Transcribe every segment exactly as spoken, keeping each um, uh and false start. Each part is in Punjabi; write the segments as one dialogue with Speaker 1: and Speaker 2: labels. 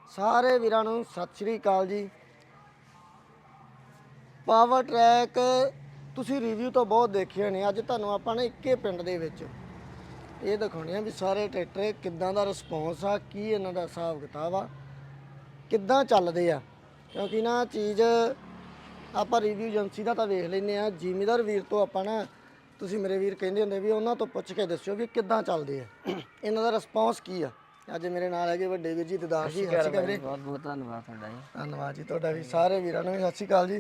Speaker 1: ਸਾਰੇ ਵੀਰਾਂ ਨੂੰ ਸਤਿ ਸ਼੍ਰੀ ਅਕਾਲ ਜੀ। ਪਾਵਰ ਟਰੈਕ ਤੁਸੀਂ ਰਿਵਿਊ ਤਾਂ ਬਹੁਤ ਦੇਖੇ ਨੇ। ਅੱਜ ਤੁਹਾਨੂੰ ਆਪਾਂ ਨੇ ਇੱਕੇ ਪਿੰਡ ਦੇ ਵਿੱਚ ਇਹ ਦਿਖਾਉਣੇ ਆ ਵੀ ਸਾਰੇ ਟਰੈਕਟਰ ਕਿੱਦਾਂ ਦਾ ਰਿਸਪੌਂਸ ਆ, ਕੀ ਇਹਨਾਂ ਦਾ ਹਿਸਾਬ ਕਿਤਾਬ ਆ, ਕਿੱਦਾਂ ਚੱਲਦੇ ਆ। ਕਿਉਂਕਿ ਨਾ ਚੀਜ਼ ਆਪਾਂ ਰਿਵਿਊ ਏਜੰਸੀ ਦਾ ਤਾਂ ਵੇਖ ਲੈਂਦੇ ਆ, ਜ਼ਿਮੀਦਾਰ ਵੀਰ ਤੋਂ ਆਪਾਂ ਨਾ, ਤੁਸੀਂ ਮੇਰੇ ਵੀਰ ਕਹਿੰਦੇ ਹੁੰਦੇ ਵੀ ਉਹਨਾਂ ਤੋਂ ਪੁੱਛ ਕੇ ਦੱਸਿਓ ਵੀ ਕਿੱਦਾਂ ਚੱਲਦੇ ਆ, ਇਹਨਾਂ ਦਾ ਰਿਸਪੌਂਸ ਕੀ ਆ। ਅੱਜ ਮੇਰੇ ਨਾਲ ਹੈਗੇ ਵੱਡੇ ਵੀਰ ਜੀ ਦਦਾਰ ਜੀ। ਸਤਿ ਸ਼੍ਰੀ ਅਕਾਲ ਵੀਰੇ।
Speaker 2: ਬਹੁਤ ਬਹੁਤ ਧੰਨਵਾਦ ਤੁਹਾਡਾ ਜੀ।
Speaker 1: ਧੰਨਵਾਦ ਜੀ ਤੁਹਾਡਾ ਵੀ। ਸਾਰੇ ਵੀਰਾਂ ਨੂੰ ਵੀ ਸਤਿ ਸ਼੍ਰੀ ਅਕਾਲ ਜੀ।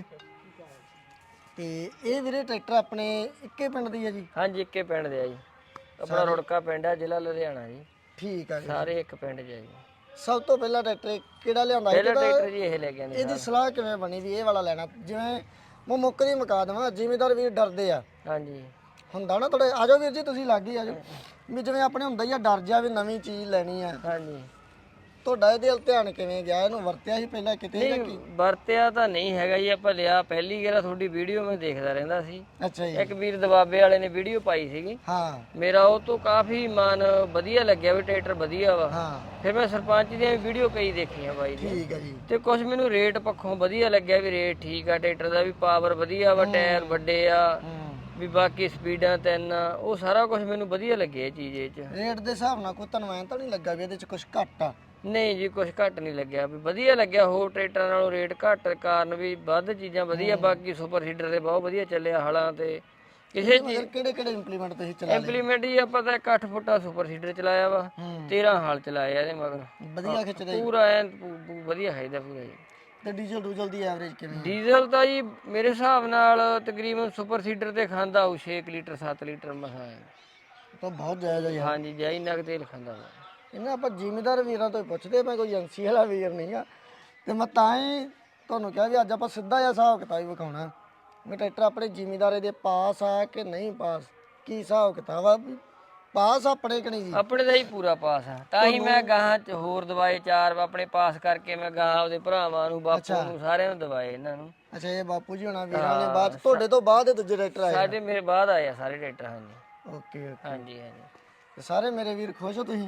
Speaker 1: ਤੇ ਇਹ ਵੀਰੇ ਟਰੈਕਟਰ ਆਪਣੇ ਇੱਕੇ ਪਿੰਡ ਦੀ ਹੈ ਜੀ?
Speaker 2: ਹਾਂਜੀ, ਇੱਕੇ ਪਿੰਡ ਦੇ ਆ ਜੀ। ਆਪਣਾ ਰੁੜਕਾ ਪਿੰਡ ਆ, ਜ਼ਿਲ੍ਹਾ ਲੁਧਿਆਣਾ ਜੀ।
Speaker 1: ਠੀਕ ਆ ਜੀ।
Speaker 2: ਸਾਰੇ ਇੱਕ ਪਿੰਡ 'ਚ ਆ ਜੀ।
Speaker 1: ਸਭ ਤੋਂ ਪਹਿਲਾਂ ਟਰੈਕਟਰ ਕਿਹੜਾ ਲਿਆਂਦਾ ਸੀ?
Speaker 2: ਪਹਿਲਾ ਟਰੈਕਟਰ ਜੀ ਇਹ ਲੈ ਕੇ ਆਂਦੇ।
Speaker 1: ਇਹਦੀ ਸਲਾਹ ਕਿਵੇਂ ਬਣੀ ਵੀ ਇਹ ਵਾਲਾ ਲੈਣਾ? ਜਿਵੇਂ ਮੈਂ ਮੁੱਕ ਦੀ ਮੁਕਾ ਦੇਵਾਂ, ਜ਼ਿਮੀਦਾਰ ਵੀਰ ਡਰਦੇ ਆ।
Speaker 2: ਹਾਂਜੀ,
Speaker 1: ਹੁੰਦਾ ਨਾ ਥੋੜੇ। ਆਜੋ ਵੀਰ ਜੀ, ਤੁਸੀਂ ਲੱਗ ਹੀ ਆਜੋ। ਵੀ ਜਿਵੇਂ ਆਪਣੇ ਹੁੰਦਾ ਹੀ ਆ ਡਰ ਜਾ ਵੀ ਨਵੀਂ ਚੀਜ਼ ਲੈਣੀ ਆ।
Speaker 2: ਹਾਂਜੀ।
Speaker 1: ਤੁਹਾਡਾ ਇਹਦੇ ਵੱਲ ਧਿਆਨ ਕਿਵੇਂ ਗਿਆ? ਇਹਨੂੰ ਵਰਤਿਆ ਸੀ ਪਹਿਲਾਂ ਕਿਤੇ ਜਾਂ ਕੀ?
Speaker 2: ਵਰਤਿਆ ਤਾਂ ਨਹੀਂ ਹੈਗਾ ਜੀ। ਆਪਾਂ ਲਿਆ ਪਹਿਲੀ ਗੇਰਾ, ਤੁਹਾਡੀ ਵੀਡੀਓ ਮੈਂ ਦੇਖਦਾ ਰਹਿੰਦਾ ਸੀ।
Speaker 1: ਅੱਛਾ ਜੀ।
Speaker 2: ਇੱਕ ਵੀਰ ਦਬਾਬੇ ਵਾਲੇ ਨੇ ਵੀਡੀਓ ਪਾਈ ਸੀਗੀ।
Speaker 1: ਹਾਂ।
Speaker 2: ਮੇਰਾ ਉਹ ਤੋਂ ਕਾਫੀ ਮਨ ਵਧੀਆ ਲੱਗਿਆ ਵੀ ਟਰੈਕਟਰ ਵਧੀਆ ਵਾ।
Speaker 1: ਹਾਂ।
Speaker 2: ਫਿਰ ਮੈਂ ਸਰਪੰਚ ਦੀਆਂ ਵੀਡੀਓ ਕਈ ਦੇਖੀਆਂ ਬਾਈ ਦੀ।
Speaker 1: ਠੀਕ ਹੈ ਜੀ।
Speaker 2: ਤੇ ਕੁਝ ਮੈਨੂੰ ਰੇਟ ਪੱਖੋਂ ਵਧੀਆ ਲੱਗਿਆ ਵੀ ਰੇਟ ਠੀਕ ਆ ਟਰੈਕਟਰ ਦਾ, ਵੀ ਪਾਵਰ ਵਧੀਆ ਵਾ, ਟਾਇਰ ਵੱਡੇ ਆ, ਵੀ ਬਾਕੀ ਸਪੀਡਾਂ ਤਿੰਨ ਆ, ਉਹ ਸਾਰਾ ਕੁਝ ਮੈਨੂੰ ਵਧੀਆ ਲੱਗਿਆ ਇਹ ਚੀਜ਼ ਇਹ 'ਚ।
Speaker 1: ਰੇਟ ਦੇ ਹਿਸਾਬ ਨਾਲ ਕੋਈ ਤੁਹਾਨੂੰ ਐਂ ਤਾਂ ਨਹੀਂ ਲੱਗਾ ਵੀ ਇਹਦੇ 'ਚ ਕੁਝ ਘੱਟ ਆ?
Speaker 2: ਨਹੀਂ ਜੀ, ਕੁਝ ਘੱਟ ਨਹੀਂ ਲੱਗਿਆ, ਵੀ ਵਧੀਆ ਲੱਗਿਆ। ਹੋਰ ਟਰੈਕਟਰਾਂ ਨਾਲੋਂ ਰੇਟ ਘੱਟ ਕਾਰਨ ਵੀ ਵੱਧ ਚੀਜ਼ਾਂ ਵਧੀਆ। ਬਾਕੀ ਸੁਪਰ ਸੀਡਰ ਦੇ ਬਹੁਤ ਵਧੀਆ ਚੱਲਿਆ ਹਲਾਂ ਤੇ। ਕਿਸੇ ਚੀਜ਼
Speaker 1: ਕਿਹੜੇ ਕਿਹੜੇ ਇੰਪਲੀਮੈਂਟ ਤੁਸੀਂ ਚਲਾ ਲਏ?
Speaker 2: ਇੰਪਲੀਮੈਂਟ ਜੀ ਆਪਾਂ ਤਾਂ ਇੱਕ ਅੱਠ ਫੁੱਟਾ ਸੁਪਰ ਸੀਡਰ ਚਲਾਇਆ ਵਾ, ਤੇਰਾਂ ਹਾਲ ਚਲਾਇਆ ਇਹਦੇ ਮਗਰ।
Speaker 1: ਵਧੀਆ ਖਿੱਚਦਾ ਜੀ?
Speaker 2: ਪੂਰਾ ਐਨ ਪੂ- ਪੂ- ਵਧੀਆ ਖਾਈਦਾ ਪੂਰਾ ਜੀ।
Speaker 1: ਤੇ ਡੀਜ਼ਲ ਡੂਜ਼ਲ ਦੀ ਐਵਰੇਜ ਕਿਵੇਂ?
Speaker 2: ਡੀਜ਼ਲ ਤਾਂ ਜੀ ਮੇਰੇ ਹਿਸਾਬ ਨਾਲ ਤਕਰੀਬਨ ਸੁਪਰ ਸੀਡਰ ਤੇ ਖਾਂਦਾ ਉਹ ਛੇ ਲੀਟਰ ਸੱਤ ਲੀਟਰ ਮਸਾਂ ਹੈ।
Speaker 1: ਤਾਂ ਬਹੁਤ ਜਾਇਜ਼ ਆ ਯਾਰ।
Speaker 2: ਹਾਂਜੀ, ਜਾਈ ਨਗ ਤੇਲ ਖਾਂਦਾ ਵਾ।
Speaker 1: ਇਹਨਾਂ ਆਪਾਂ ਜ਼ਿਮੀਦਾਰ ਵੀਰਾਂ ਤੋਂ ਹੀ ਪੁੱਛਦੇ, ਮੈਂ ਕੋਈ ਏਜੰਸੀ ਵਾਲਾ ਵੀਰ ਨਹੀਂ ਆ। ਤੇ ਮੈਂ ਤਾਂ ਹੀ ਤੁਹਾਨੂੰ ਕਿਹਾ ਵੀ ਅੱਜ ਆਪਾਂ ਸਿੱਧਾ ਜਿਹਾ ਹਿਸਾਬ ਕਿਤਾਬ ਹੀ ਵਿਖਾਉਣਾ ਵੀ ਟਰੈਕਟਰ ਆਪਣੇ ਜ਼ਿਮੀਦਾਰੇ ਦੇ ਪਾਸ ਆ ਕਿ ਨਹੀਂ ਪਾਸ, ਕੀ ਹਿਸਾਬ ਕਿਤਾਬ ਆ। ਵੀ ਪਾਸ ਆਪਣੇ ਕਿ ਨਹੀਂ ਜੀ?
Speaker 2: ਆਪਣੇ ਦਾ ਹੀ ਪੂਰਾ ਪਾਸ ਆ। ਤਾਂ ਹੀ ਮੈਂ ਗਾਹਾਂ ਚ ਹੋਰ ਦਵਾਏ ਚਾਰ ਆਪਣੇ ਪਾਸ ਕਰਕੇ ਮੈਂ ਗਾਹਾਂ ਉਹਦੇ ਭਰਾਵਾਂ ਨੂੰ, ਬਾਪੂ ਨੂੰ, ਸਾਰਿਆਂ ਨੂੰ ਦਵਾਏ ਇਹਨਾਂ ਨੂੰ।
Speaker 1: ਅੱਛਾ, ਇਹ ਬਾਪੂ ਜੀ ਹੋਣਾ ਵੀਰਾਂ ਨੇ ਬਾਅਦ ਤੁਹਾਡੇ ਤੋਂ ਬਾਅਦ ਇਹ ਦੂਜੇ ਟਰੈਕਟਰ ਆਏ?
Speaker 2: ਸਾਡੇ ਮੇਰੇ ਬਾਅਦ ਆਏ ਆ ਸਾਰੇ ਟਰੈਕਟਰ। ਹਾਂਜੀ
Speaker 1: ਓਕੇ ਓਕੇ।
Speaker 2: ਹਾਂਜੀ ਹਾਂਜੀ।
Speaker 1: ਤੇ ਸਾਰੇ ਮੇਰੇ ਵੀਰ ਖੁਸ਼ ਹੋ ਤੁਸੀਂ?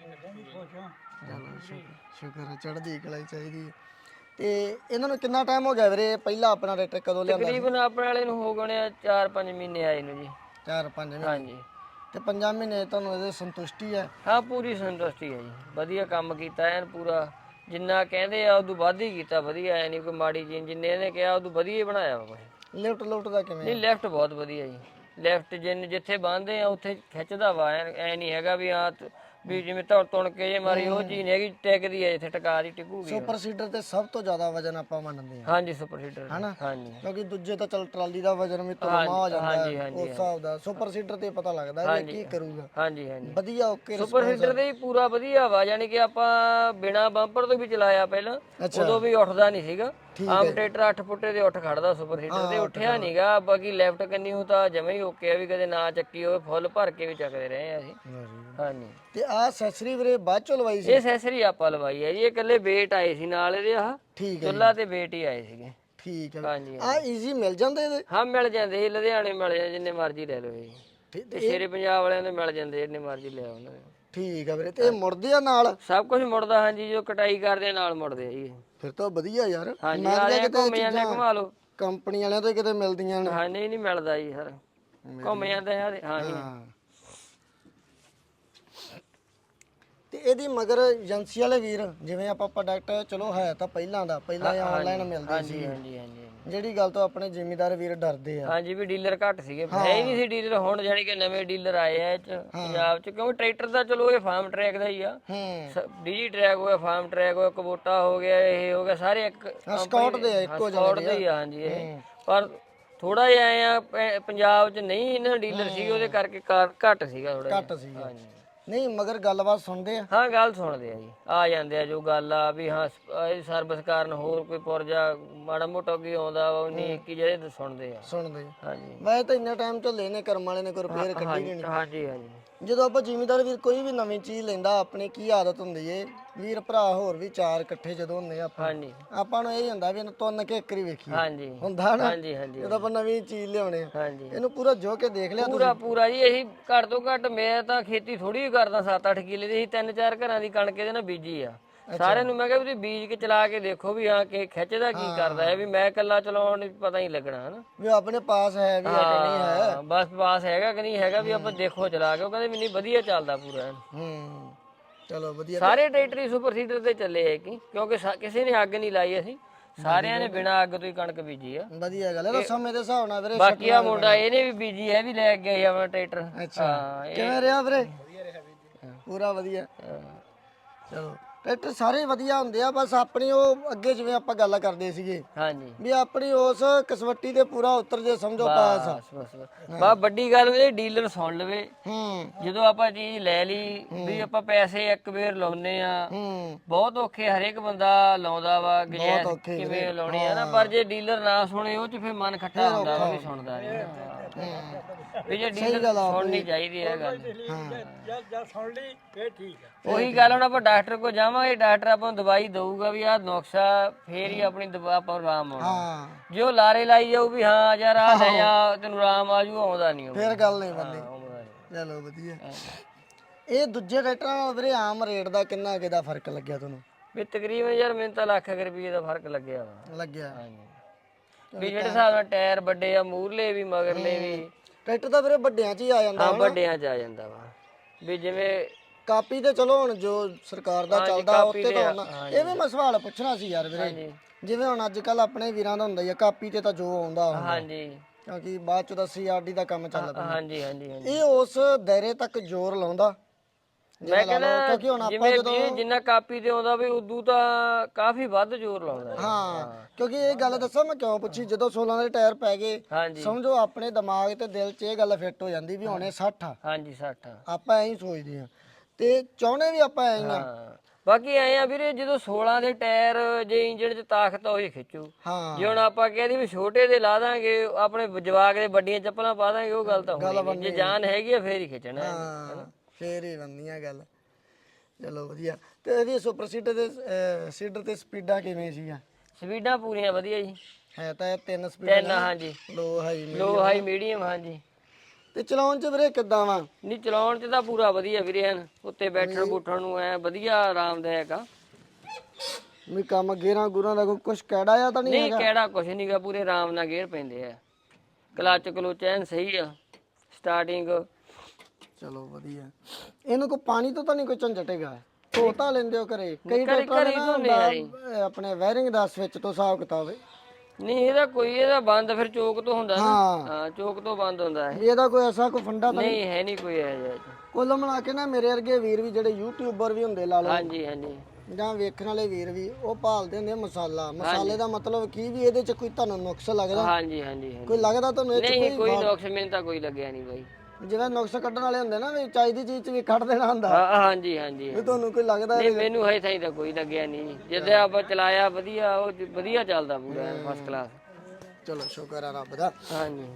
Speaker 1: ਚਲੋ ਸ਼ੁਕਰ ਹੈ, ਚੜ੍ਹਦੀ ਕਲਾ ਹੀ ਚਾਹੀਦੀ ਹੈ। ਤੇ ਇਹਨਾਂ ਨੂੰ ਕਿੰਨਾ ਟਾਈਮ ਹੋ ਗਿਆ ਵੀਰੇ? ਪਹਿਲਾਂ ਆਪਣਾ ਟਰੈਕਟਰ ਕਦੋਂ ਲਿਆਂਦਾ?
Speaker 2: ਤਕਰੀਬਨ ਆਪਣੇ ਵਾਲੇ ਨੂੰ ਹੋ ਗਏ ਚਾਰ ਪੰਜ ਮਹੀਨੇ ਆਏ ਨੂੰ ਜੀ।
Speaker 1: ਚਾਰ ਪੰਜ ਮਹੀਨੇ।
Speaker 2: ਹਾਂਜੀ।
Speaker 1: ਤੇ ਪੰਜਾਂ ਮਹੀਨੇ ਤੁਹਾਨੂੰ ਇਹਦੇ ਸੰਤੁਸ਼ਟੀ ਹੈ?
Speaker 2: ਹਾਂ, ਪੂਰੀ ਸੰਤੁਸ਼ਟੀ ਹੈ ਜੀ। ਵਧੀਆ ਕੰਮ ਕੀਤਾ ਐਨ ਪੂਰਾ, ਜਿੰਨਾ ਕਹਿੰਦੇ ਆ ਉਦੋਂ ਵੱਧ ਹੀ ਕੀਤਾ। ਵਧੀਆ ਐ ਨਹੀਂ ਕੋਈ ਮਾੜੀ ਚੀਜ਼, ਜਿੰਨੇ ਇਹਨੇ ਕਿਹਾ ਉਦੋਂ ਵਧੀਆ ਹੀ ਬਣਾਇਆ ਵਾ ਕੁਛ।
Speaker 1: ਲਿਫਟ ਲੁਫਟ ਦਾ ਕਿਵੇਂ?
Speaker 2: ਨਹੀਂ, ਲੈਫਟ ਬਹੁਤ ਵਧੀਆ ਜੀ। ਲੈਫਟ ਜਿੰਨ ਜਿੱਥੇ ਬੰਨਦੇ ਆ ਉੱਥੇ ਖਿੱਚਦਾ ਵਾ। ਐ ਨਹੀਂ ਹੈਗਾ ਵੀ ਆ ਵੀ ਜਿਵੇਂ ਤੁਣ ਤੁਣ ਕੇ ਜੇ ਮਾਰੀ, ਉਹ ਚੀਜ਼ ਨਹੀਂ ਹੈਗੀ। ਟਿਕਦੀ ਹੈ ਜਿੱਥੇ ਟਿਕਾ ਦੀ ਟਿਕੂਗੀ।
Speaker 1: ਸੁਪਰ ਸੀਡਰ ਤੇ ਸਭ ਤੋਂ ਜ਼ਿਆਦਾ ਵਜਨ ਆਪਾਂ ਮੰਨਦੇ ਹਾਂ।
Speaker 2: ਹਾਂਜੀ, ਸੁਪਰ ਸੀਡਰ
Speaker 1: ਹਨਾ?
Speaker 2: ਹਾਂਜੀ।
Speaker 1: ਕਿਉਂਕਿ ਦੂਜੇ ਤਾਂ ਚਲ ਟਰਾਲੀ ਦਾ ਵਜਨ ਵੀ ਤੁਲਮਾ ਹੋ ਜਾਂਦਾ ਹੈ ਉਸ ਹਿਸਾਬ ਦਾ। ਸੁਪਰ ਸੀਡਰ ਤੇ ਪਤਾ ਲੱਗਦਾ ਵੀ ਕੀ ਕਰੂਗਾ।
Speaker 2: ਹਾਂਜੀ ਹਾਂਜੀ।
Speaker 1: ਵਧੀਆ ਓਕੇ।
Speaker 2: ਸੁਪਰ ਸੀਡਰ ਦੇ ਹੀ ਪੂਰਾ ਵਧੀਆ ਵਾ, ਯਾਨੀ ਕਿ ਆਪਾਂ ਬਿਨਾ ਬੰਪਰ ਤੋਂ ਵੀ ਚਲਾਇਆ ਪਹਿਲਾਂ, ਉਦੋਂ ਵੀ ਉੱਠਦਾ ਨਹੀਂ ਸੀਗਾ। ਆਮ ਟਰੈਕਟਰ ਅੱਠ ਫੁੱਟੇ ਦੇ ਉੱਠ ਖੜਦਾ, ਸੁਪਰ ਸੀਡਰ ਦੇ ਉੱਠਿਆ ਨਹੀਂਗਾ। ਬਾਕੀ ਲੈਫਟ ਕੰਨੀ ਉਹ ਤਾਂ ਜਮਾ ਹੀ ਓਕੇ ਆ, ਵੀ ਕਦੇ ਨਾ ਚੱਕੀ ਹੋਵੇ, ਫੁੱਲ ਭਰ ਕੇ ਵੀ ਚੱਕਦੇ ਰਹੇ ਆ ਅਸੀਂ। ਹਾਂਜੀ।
Speaker 1: ਤੇ ਆਹ ਅਸੈਸਰੀ ਵੀਰੇ ਬਾਅਦ ਚੋਂ ਲਵਾਈ ਸੀ?
Speaker 2: ਇਹ ਅਸੈਸਰੀ ਆਪਾਂ ਲਵਾਈ ਹੈ ਜੀ। ਇਹ ਇਕੱਲੇ ਵੇਟ ਆਏ ਸੀ ਨਾਲ ਇਹਦੇ। ਆਹ
Speaker 1: ਠੀਕ ਹੈ,
Speaker 2: ਚੁੱਲਾ ਤੇ ਵੇਟ ਹੀ ਆਏ ਸੀਗੇ।
Speaker 1: ਠੀਕ ਹੈ।
Speaker 2: ਹਾਂਜੀ
Speaker 1: ਆ ਈਜ਼ੀ ਮਿਲ ਜਾਂਦੇ ਇਹਦੇ?
Speaker 2: ਹਾਂ, ਮਿਲ ਜਾਂਦੇ ਜੀ। ਲੁਧਿਆਣੇ ਮਿਲ ਜਾਂਦੇ, ਜਿੰਨੇ ਮਰਜ਼ੀ ਲੈ ਲਓ ਜੀ। ਤੇ ਸ਼ੇਰੇ ਪੰਜਾਬ ਵਾਲਿਆਂ ਦੇ ਮਿਲ ਜਾਂਦੇ, ਜਿੰਨੇ ਮਰਜ਼ੀ ਲੈ ਉਹਨਾਂ ਦੇ।
Speaker 1: ਠੀਕ ਆ ਵੀਰੇ। ਤੇ ਇਹ ਮੁੜਦੇ ਆ ਨਾਲ?
Speaker 2: ਸਭ ਕੁਝ ਮੁੜਦਾ। ਹਾਂਜੀ, ਜੋ ਕਟਾਈ ਕਰਦੇ ਨਾਲ ਮੁੜਦੇ ਆ ਜੀ।
Speaker 1: ਫਿਰ ਤਾਂ ਵਧੀਆ ਯਾਰ।
Speaker 2: ਹਾਂਜੀ, ਆ ਰਹੇ ਘੁੰਮ ਜਾਂਦੇ, ਘੁਮਾ ਲਓ।
Speaker 1: ਕੰਪਨੀ ਵਾਲਿਆਂ ਤੋਂ ਕਿਤੇ ਮਿਲਦੀਆਂ ਨੇ?
Speaker 2: ਹਾਂ, ਨਹੀਂ ਨਹੀਂ ਮਿਲਦਾ ਜੀ ਸਰ, ਘੁੰਮ ਜਾਂਦੇ ਆ। ਹਾਂਜੀ।
Speaker 1: ਤੇ ਇਹਦੀ ਮਗਰ ਏਜੰਸੀ ਵਾਲੇ ਵੀਰ, ਜਿਵੇਂ ਆਪਾਂ ਪ੍ਰੋਡਕਟ ਚਲੋ ਹੈ ਤਾਂ ਪਹਿਲਾਂ ਦਾ ਪਹਿਲਾਂ ਆਨਲਾਈਨ ਮਿਲਦੇ ਸੀ,
Speaker 2: ਹਾਂਜੀ ਹਾਂਜੀ।
Speaker 1: ਜਿਹੜੀ ਗੱਲ ਤੋਂ ਆਪਣੇ ਜ਼ਿਮੀਦਾਰ ਵੀਰ ਡਰਦੇ ਆ।
Speaker 2: ਹਾਂਜੀ, ਵੀ ਡੀਲਰ ਘੱਟ ਸੀਗੇ, ਹੈ ਹੀ ਨਹੀਂ ਸੀ ਡੀਲਰ। ਹੁਣ ਜਾਨੀ ਕਿ ਨਵੇਂ ਡੀਲਰ ਆਏ ਆ ਇਹ ਚ ਪੰਜਾਬ ਚ, ਕਿਉਂਕਿ ਟਰੈਕਟਰ ਦਾ ਚਲੋ ਇਹ ਫਾਰਮ ਟਰੈਕ ਦਾ ਹੀ ਆ। ਡੀਜੀ ਟਰੈਕ ਹੋ ਗਿਆ, ਫਾਰਮ ਟਰੈਕ ਹੋ ਗਿਆ, ਕਬੋਟਾ ਹੋ ਗਿਆ, ਇਹ ਹੋ ਗਿਆ, ਸਾਰੇ ਇੱਕ
Speaker 1: ਸਕਾਟ ਦੇ ਆ, ਇੱਕੋ
Speaker 2: ਸਕਾਟ ਦੇ ਹੀ ਆ। ਹਾਂਜੀ। ਇਹ ਪਰ ਥੋੜਾ ਜਿਹਾ ਆਏ ਆ ਪੰਜਾਬ ਚ ਨਹੀਂ ਇਹਨਾਂ ਡੀਲਰ ਸੀ, ਉਹਦੇ ਕਰਕੇ ਘੱਟ ਸੀਗਾ ਥੋੜਾ
Speaker 1: ਘੱਟ ਸੀਗਾ। ਹਾਂਜੀ। ਨਹੀਂ ਮਗਰ ਗੱਲਬਾਤ ਸੁਣਦੇ ਆ?
Speaker 2: ਹਾਂ, ਗੱਲ ਸੁਣਦੇ ਆ ਜੀ। ਆ ਜਾਂਦੇ ਆ ਜੋ ਗੱਲ ਆ ਵੀ ਹਾਂ ਇਹ ਸਰਵਿਸ ਕਾਰਨ ਹੋਰ ਕੋਈ ਪੁਰਜਾ ਮਾੜਾ ਮੋਟਾ ਕੀ ਆਉਂਦਾ ਵਾ, ਉਨੀ ਕੀ ਜਿਹੜੇ ਸੁਣਦੇ ਆ।
Speaker 1: ਸੁਣਦੇ ਆ।
Speaker 2: ਹਾਂਜੀ।
Speaker 1: ਮੈਂ ਤਾਂ ਇੰਨਾ ਟਾਈਮ ਤੋਂ ਲੈਨੇ ਕਰਮ ਵਾਲੇ ਨੇ ਕੋਈ ਰਿਪੇਅਰ ਕੱਢੀ ਨਹੀਂ।
Speaker 2: ਹਾਂਜੀ ਹਾਂਜੀ।
Speaker 1: ਜਦੋਂ ਆਪਾਂ ਜ਼ਿਮੀਦਾਰ ਵੀਰ ਕੋਈ ਵੀ ਨਵੀਂ ਚੀਜ਼ ਲੈਂਦਾ, ਆਪਣੀ ਕੀ ਆਦਤ ਹੁੰਦੀ ਏ ਵੀਰ ਭਰਾ ਹੋਰ ਵੀ ਚਾਰ ਇਕੱਠੇ ਜਦੋਂ ਹੁੰਦੇ ਆਪਾਂ,
Speaker 2: ਹਾਂਜੀ।
Speaker 1: ਆਪਾਂ ਨੂੰ ਇਹ ਹੁੰਦਾ ਵੀ ਇਹਨੂੰ ਤੁੰਨ ਕੇ ਇੱਕ ਵਾਰੀ ਵੇਖੀਏ।
Speaker 2: ਹਾਂਜੀ
Speaker 1: ਹੁੰਦਾ ਨਾ?
Speaker 2: ਹਾਂਜੀ ਹਾਂਜੀ।
Speaker 1: ਜਦੋਂ ਆਪਾਂ ਨਵੀਂ ਚੀਜ਼ ਲਿਆਉਣੇ ਆ,
Speaker 2: ਹਾਂਜੀ।
Speaker 1: ਇਹਨੂੰ ਪੂਰਾ ਜੋ ਕੇ ਦੇਖ ਲਿਆ
Speaker 2: ਪੂਰਾ ਪੂਰਾ ਜੀ। ਇਹੀ ਘੱਟ ਤੋਂ ਘੱਟ, ਮੈਂ ਤਾਂ ਖੇਤੀ ਥੋੜੀ ਕਰਦਾ, ਸੱਤ ਅੱਠ ਕਿੱਲੇ ਦੀ। ਅਸੀਂ ਤਿੰਨ ਚਾਰ ਘਰਾਂ ਦੀ ਕਣਕ ਇਹਦੇ ਨਾਲ ਬੀਜੀ ਆ। ਸਾਰਿਆਂ ਨੂੰ ਮੈਂ ਕਿਹਾ ਵੀ ਤੁਸੀਂ ਬੀਜ ਕੇ ਚਲਾ ਕੇ ਦੇਖੋ ਵੀ ਹਾਂ ਕਿ ਖਿੱਚਦਾ ਕੀ ਕਰਦਾ ਹੈ, ਵੀ ਮੈਂ ਇਕੱਲਾ ਚਲਾਉਣ ਨੂੰ ਪਤਾ ਹੀ ਲੱਗਣਾ ਹਨਾ
Speaker 1: ਵੀ ਆਪਣੇ ਪਾਸ ਹੈ ਵੀ ਹੈ ਕਿ ਨਹੀਂ ਹੈ।
Speaker 2: ਹਾਂ, ਬਸ ਪਾਸ ਹੈਗਾ ਕਿ ਨਹੀਂ ਹੈਗਾ ਵੀ ਆਪਾਂ ਦੇਖੋ ਚਲਾ ਕੇ। ਉਹ ਕਹਿੰਦੇ ਮੈਨੂੰ ਵਧੀਆ ਚੱਲਦਾ ਪੂਰਾ ਐਨ।
Speaker 1: ਹੂੰ ਚਲੋ ਵਧੀਆ।
Speaker 2: ਸਾਰੇ ਟਰੈਕਟਰ ਹੀ ਸੁਪਰ ਸੀਡਰ ਤੇ ਚੱਲੇ ਹੈ ਕਿ ਕਿਉਂਕਿ ਸਾ- ਕਿਸੇ ਨੇ ਅੱਗ ਨਹੀਂ ਲਾਈ, ਅਸੀਂ ਸਾਰਿਆਂ ਨੇ ਬਿਨਾਂ ਅੱਗ ਤੋਂ ਹੀ ਕਣਕ ਬੀਜੀ ਆ।
Speaker 1: ਵਧੀਆ ਗੱਲ ਹੈ। ਤਾਂ ਸਮੇਂ ਦੇ ਹਿਸਾਬ ਨਾਲ ਵੀਰੇ
Speaker 2: ਬਾਕੀ ਆ ਮੁੰਡਾ ਇਹਨੇ ਵੀ ਬੀਜੀ ਹੈ, ਵੀ ਲੈ ਕੇ ਗਿਆ ਆਪਣਾ ਟਰੈਕਟਰ।
Speaker 1: ਅੱਛਾ
Speaker 2: ਹਾਂ, ਇਹ-
Speaker 1: ਕਿਵੇਂ ਰਿਹਾ ਵੀਰੇ? ਪੂਰਾ ਵਧੀਆ। ਚਲੋ ਟਰੈਕਟਰ ਸਾਰੇ ਵਧੀਆ ਹੁੰਦੇ ਆ, ਬਸ ਆਪਣੀ ਉਹ ਅੱਗੇ ਜਿਵੇਂ ਆਪਾਂ ਗੱਲ ਕਰਦੇ ਸੀਗੇ
Speaker 2: ਹਾਂਜੀ
Speaker 1: ਵੀ ਆਪਣੀ ਉਸ ਕਸਵੱਟੀ ਤੇ ਪੂਰਾ ਉਤਰ ਜੇ ਸਮਝੋ ਪਾਸ ਆ।
Speaker 2: ਬਸ ਬਸ ਬਸ ਬਸ ਵੱਡੀ ਗੱਲ ਇਹ ਡੀਲਰ ਸੁਣ ਲਵੇ।
Speaker 1: ਹੂੰ
Speaker 2: ਜਦੋਂ ਆਪਾਂ ਚੀਜ਼ ਲੈ ਲਈ ਵੀ ਆਪਾਂ ਪੈਸੇ ਇੱਕ ਵਾਰ ਲਾਉਨੇ ਆ,
Speaker 1: ਹੂੰ
Speaker 2: ਬਹੁਤ ਔਖੇ ਹਰੇਕ ਬੰਦਾ ਲਾਉਂਦਾ ਵਾ ਗਜੈਸ
Speaker 1: ਔਖੇ
Speaker 2: ਕਿਵੇਂ ਲਾਉਣੀ ਆ ਨਾ, ਪਰ ਜੇ ਡੀਲਰ ਨਾ ਸੁਣੇ ਉਹ ਚ ਫਿਰ ਮਨ ਖੱਟਾ ਹੁੰਦਾ ਵਾ ਵੀ ਸੁਣਦਾ ਨਹੀਂ। ਵੀ ਜੇ ਡੀਲਰ ਸੁਣਨੀ ਚਾਹੀਦੀ ਹੈ ਗੱਲ।
Speaker 3: ਸੁਣ ਲਈ ਫੇਰ ਠੀਕ ਹੈ।
Speaker 2: ਉਹੀ ਗੱਲ ਹੁਣ ਆਪਾਂ ਡਾਕਟਰ ਕੋਲ ਜਾਵਾਂਗੇ, ਡਾਕਟਰ ਆਪਾਂ ਨੂੰ ਦਵਾਈ ਦਊਗਾ ਵੀ ਆਹ ਨੁਕਸਾ, ਫੇਰ ਹੀ ਆਪਣੀ ਦਵਾ ਆਪਾਂ ਨੂੰ ਆਰਾਮ ਆਉਣਾ।
Speaker 1: ਹਾਂ
Speaker 2: ਜੇ ਉਹ ਲਾਰੇ ਲਾਈ ਜਾਊ ਵੀ ਹਾਂ ਯਾਰ ਆ ਲੈ ਜਾ ਤੈਨੂੰ ਆਰਾਮ ਆ ਜੂ, ਆਉਂਦਾ ਨਹੀਂ ਉਹ।
Speaker 1: ਫੇਰ ਗੱਲ ਨਹੀਂ ਬੰਦੀ।
Speaker 2: ਆਉਂਦਾ ਨੀ।
Speaker 1: ਚਲੋ ਵਧੀਆ। ਇਹ ਦੂਜੇ ਟਰੈਕਟਰਾਂ ਨਾਲ ਵੀਰੇ ਆਮ ਰੇਟ ਦਾ ਕਿੰਨਾ ਕਿਦਾ ਫਰਕ ਲੱਗਿਆ ਤੁਹਾਨੂੰ?
Speaker 2: ਵੀ ਤਕਰੀਬਨ ਯਾਰ ਮੈਨੂੰ ਤਾਂ ਲੱਖ ਕੁ ਰੁਪਏ ਦਾ ਫਰਕ ਲੱਗਿਆ ਵਾ।
Speaker 1: ਲੱਗਿਆ
Speaker 2: ਵੀ ਜਿਹੜੇ ਹਿਸਾਬ ਨਾਲ ਟਾਇਰ ਵੱਡੇ ਆ, ਮੂਰਲੇ ਵੀ ਮਗਰਲੇ ਵੀ,
Speaker 1: ਟਰੈਕਟਰ ਤਾਂ ਵੀਰੇ ਵੱਡਿਆਂ 'ਚ ਹੀ ਆ ਜਾਂਦਾ
Speaker 2: ਹਾਂ
Speaker 1: ਹਨਾ?
Speaker 2: ਵੱਡਿਆਂ ਚ ਆ ਜਾਂਦਾ ਵਾ। ਵੀ ਜਿਵੇਂ
Speaker 1: ਕਾਪੀ ਤੇ ਚਲੋ ਹੁਣ ਜੋ ਸਰਕਾਰ ਦਾ ਚੱਲਦਾ
Speaker 2: ਕਾਪੀ
Speaker 1: ਉੱਤੇ
Speaker 2: ਤੇ
Speaker 1: ਤਾਂ
Speaker 2: ਆ,
Speaker 1: ਹੁਣ ਇਹ ਵੀ ਮੈਂ ਸਵਾਲ ਪੁੱਛਣਾ ਸੀ ਯਾਰ ਵੀਰੇ। ਜਿਵੇਂ ਹੁਣ ਅੱਜ ਕੱਲ ਆਪਣੇ ਵੀਰਾਂ ਦਾ ਹੁੰਦਾ ਹੀ ਆ ਕਾਪੀ ਤੇ ਤਾਂ ਜੋ ਆਉਂਦਾ ਹੁੰਦਾ,
Speaker 2: ਹਾਂਜੀ
Speaker 1: ਕਿਉਂਕਿ ਬਾਅਦ ਚ ਤਾਂ ਸੀ ਆਰ ਡੀ ਦਾ ਕੰਮ ਚੱਲ ਪਿਆ।
Speaker 2: ਹਾਂਜੀ ਹਾਂਜੀ ਹਾਂਜੀ
Speaker 1: ਇਹ ਉਸ ਦਾਇਰੇ ਤੱਕ ਜ਼ੋਰ ਲਾਉਂਦਾ
Speaker 2: ਮੈਂ ਕਹਿੰਦਾ
Speaker 1: ਕਿਉਂਕਿ ਹੁਣ ਆਪਾਂ
Speaker 2: ਜਿਵੇਂ
Speaker 1: ਜਦੋਂ
Speaker 2: ਵੀ ਜਿੰਨਾ ਕਾਪੀ ਤੇ ਆਉਂਦਾ ਵੀ ਉਦੋਂ ਤਾਂ ਕਾਫੀ ਵੱਧ ਜ਼ੋਰ ਲਾਉਂਦਾ ਹੈ।
Speaker 1: ਹਾਂ ਕਿਉਂਕਿ ਇਹ ਗੱਲ ਦੱਸਾਂ ਮੈਂ ਕਿਉਂ ਪੁੱਛੀ, ਜਦੋਂ ਸੋਲਾਂ ਦੇ ਟਾਇਰ ਪੈ ਗਏ
Speaker 2: ਹਾਂਜੀ
Speaker 1: ਸਮਝੋ ਆਪਣੇ ਦਿਮਾਗ ਤੇ ਦਿਲ 'ਚ ਇਹ ਗੱਲ ਫਿੱਟ ਹੋ ਜਾਂਦੀ ਵੀ ਹੁਣੇ ਸੱਠ ਆ।
Speaker 2: ਹਾਂਜੀ ਸੱਠ
Speaker 1: ਆਪਾਂ ਐਂ ਹੀ ਸੋਚਦੇ ਆ ਤੇ ਚਾਹੁੰਦੇ ਵੀ ਆਪਾਂ ਐਂ ਹੀ ਆ।
Speaker 2: ਹਾਂ ਬਾਕੀ ਐ ਆ ਵੀਰੇ ਜਦੋਂ ਸੋਲਾਂ ਦੇ ਟਾਇਰ ਜੇ ਇੰਜਣ 'ਚ ਤਾਕਤ ਹੋਈ ਖਿੱਚੂ।
Speaker 1: ਹਾਂ
Speaker 2: ਜੇ ਹੁਣ ਆਪਾਂ ਕਹਿੰਦੇ ਵੀ ਛੋਟੇ ਦੇ ਲਾ ਦਾਂਗੇ ਆਪਣੇ ਜਵਾਕ ਦੇ ਵੱਡੀਆਂ ਚੱਪਲਾਂ ਪਾ ਦਾਂਗੇ, ਉਹ ਗੱਲ ਤਾਂ ਹੋਣੀ ਨਹੀਂ। ਜੇ ਜਾਨ ਹੈਗੀ ਆ ਫੇਰ ਹੀ ਖਿੱਚਣਾ ਹੈ।
Speaker 1: ਹਾਂ ਫੇਰ ਹੀ ਬੰਦੀਆਂ ਗੱਲ। ਚਲੋ ਵਧੀਆ। ਤੇ ਇਹਦੀ ਸੁਪਰ ਸੀਡਰ ਦੇ ਸੀਡਰ ਤੇ ਸਪੀਡਾਂ ਕਿਵੇਂ ਸੀਗਾ?
Speaker 2: ਸਪੀਡਾਂ ਪੂਰੀਆਂ ਵਧੀਆ ਜੀ।
Speaker 1: ਹੈ ਤਾਂ ਇਹ ਤਿੰਨ ਸਪੀਡਾਂ
Speaker 2: ਤਿੰਨ ਹਾਂਜੀ,
Speaker 1: low high
Speaker 2: low high medium ਹਾਂਜੀ।
Speaker 1: ਤੇ ਚਲਾਉਣ 'ਚ ਵੀਰੇ ਕਿੱਦਾਂ ਵਾ?
Speaker 2: ਨਹੀਂ ਚਲਾਉਣ 'ਚ ਤਾਂ ਪੂਰਾ ਵਧੀਆ ਵੀਰੇ ਐਨ, ਉੱਤੇ ਬੈਠਣ ਬੂਠਣ ਨੂੰ ਐ ਵਧੀਆ ਆਰਾਮਦਾਇਕ ਆ।
Speaker 1: ਵੀ ਕੰਮ ਗੇਰਾਂ ਗੁਰਾਂ ਦਾ ਕੋਈ ਕੁਛ ਕਿਹੜਾ ਆ ਤਾਂ ਨਹੀਂ
Speaker 2: ਨਹੀਂ
Speaker 1: ਹੈਗਾ?
Speaker 2: ਕਿਹੜਾ ਕੁਛ ਨਹੀਂਗਾ, ਪੂਰੇ ਆਰਾਮ ਨਾਲ ਗੇਅਰ ਪੈਂਦੇ ਆ। ਕਲੱਚ ਕਲੁਚ ਐਨ ਸਹੀ ਆ, ਸਟਾਰਟਿੰਗ।
Speaker 1: ਚਲੋ ਵਧੀਆ। ਇਹਨੂੰ ਕੋਈ ਪਾਣੀ ਤੋਂ ਤਾਂ ਨਹੀਂ ਕੋਈ ਝੰਜਟ ਹੈਗਾ? ਧੋ ਤਾਂ ਲੈਂਦੇ ਹੋ ਘਰੇ? ਕਈ
Speaker 2: ਘਰੇ
Speaker 1: ਟਰੈਕਟਰਾਂ
Speaker 2: ਘਰੇ
Speaker 1: ਨੇ ਨਾ
Speaker 2: ਧੋਂਦੇ ਆ ਜੀ।
Speaker 1: ਹੁੰਦਾ, ਆਪਣੇ ਵਾਇਰਿੰਗ ਦਾ ਸਵਿਚ ਤੋਂ ਹਿਸਾਬ ਕਿਤਾਬ ਹੈ।
Speaker 2: ਨਹੀਂ ਇਹਦਾ ਕੋਈ ਇਹਦਾ ਬੰਦ ਫਿਰ ਚੋਕ ਤੋਂ ਹੁੰਦਾ ਨਾ।
Speaker 1: ਹਾਂ
Speaker 2: ਹਾਂ ਚੋਕ ਤੋਂ ਬੰਦ ਹੁੰਦਾ ਹੈ।
Speaker 1: ਵੀ ਇਹਦਾ ਕੋਈ ਐਸਾ ਕੋਈ ਫੰਡਾ ਤਾਂ ਨਹੀਂ?
Speaker 2: ਨਹੀਂ ਹੈ ਨਹੀਂ ਕੋਈ ਇਹ ਜਿਹਾ।
Speaker 1: ਕੁੱਲ ਮਿਲਾ ਕੇ ਨਾ ਮੇਰੇ ਵਰਗੇ ਵੀਰ ਵੀ ਜਿਹੜੇ ਯੂਟਿਊਬਰ ਵੀ ਹੁੰਦੇ ਲਾ ਲਓ
Speaker 2: ਹਾਂਜੀ ਹਾਂਜੀ
Speaker 1: ਜਾਂ ਵੇਖਣ ਵਾਲੇ ਵੀਰ ਵੀ, ਉਹ ਭਾਲਦੇ ਹੁੰਦੇ ਆ ਮਸਾਲਾ। ਮਸਾਲੇ ਦਾ ਮਤਲਬ ਕੀ ਵੀ ਇਹਦੇ 'ਚ ਕੋਈ ਤੁਹਾਨੂੰ ਨੁਕਸ ਲੱਗਦਾ?
Speaker 2: ਹਾਂਜੀ ਹਾਂਜੀ ਹਾਂਜੀ।
Speaker 1: ਕੋਈ ਲੱਗਦਾ ਤੁਹਾਨੂੰ ਇਹ 'ਚ
Speaker 2: ਨਹੀਂ
Speaker 1: ਕੋਈ?
Speaker 2: ਕੋਈ ਨੁਕਸ ਮੈਨੂੰ ਤਾਂ ਕੋਈ ਲੱਗਿਆ ਨਹੀਂ ਬਾਈ।
Speaker 1: ਜਿਵੇਂ ਨੁਕਸ ਕੱਢਣ ਵਾਲੇ ਹੁੰਦੇ ਨਾ ਵੀ ਚਾਹੀਦੀ ਚੀਜ਼ 'ਚ ਵੀ ਕੱਢ ਦੇਣਾ ਹੁੰਦਾ,
Speaker 2: ਹਾਂ ਹਾਂਜੀ ਹਾਂਜੀ
Speaker 1: ਵੀ ਤੁਹਾਨੂੰ ਕੋਈ ਲੱਗਦਾ?
Speaker 2: ਨਹੀਂ ਮੈਨੂੰ ਹਜੇ ਤਾਈਂ ਤਾਂ ਕੋਈ ਲੱਗਿਆ ਨਹੀਂ। ਜਿੱਦਾਂ ਆਪਾਂ ਚਲਾਇਆ ਵਧੀਆ, ਉਹ ਜ- ਵਧੀਆ ਚੱਲਦਾ ਪੂਰਾ ਫਸਟ ਕਲਾਸ।
Speaker 1: ਚਲੋ ਸ਼ੁਕਰ ਆ ਰੱਬ ਦਾ।
Speaker 2: ਹਾਂਜੀ